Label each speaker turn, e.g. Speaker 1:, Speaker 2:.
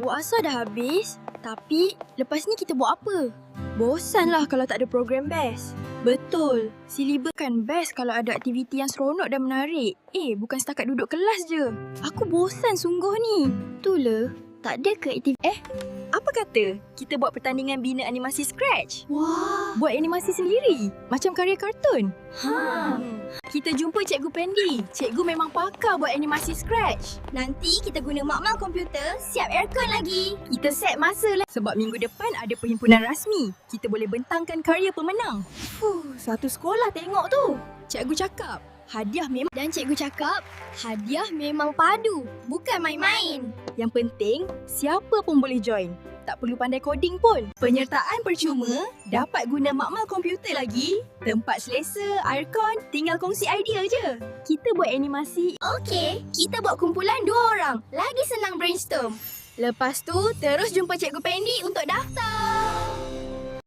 Speaker 1: Buat asal dah habis. Tapi lepas ni kita buat apa? Bosanlah kalau tak ada program best. Betul. Silibus kan best kalau ada aktiviti yang seronok dan menarik. Bukan setakat duduk kelas je. Aku bosan sungguh ni. Itulah. Tak ada ke aktiviti? Apa kata kita buat pertandingan bina animasi Scratch?
Speaker 2: Wah.
Speaker 1: Buat animasi sendiri. Macam karya kartun. Kita jumpa Cikgu Pendi. Cikgu memang pakar buat animasi Scratch.
Speaker 2: Nanti kita guna makmal komputer, siap aircon lagi.
Speaker 1: Kita set masa lah. Sebab minggu depan ada perhimpunan rasmi. Kita boleh bentangkan karya pemenang.
Speaker 2: Satu sekolah tengok tu.
Speaker 1: Cikgu cakap, hadiah memang...
Speaker 2: Dan cikgu cakap, hadiah memang padu, bukan main-main.
Speaker 1: Yang penting, siapa pun boleh join. Tak perlu pandai coding pun. Penyertaan percuma, dapat guna makmal komputer lagi. Tempat selesa, aircon, tinggal kongsi idea je. Kita buat animasi.
Speaker 2: Okey, kita buat kumpulan 2 orang. Lagi senang brainstorm. Lepas tu, terus jumpa Cikgu Pendi untuk daftar.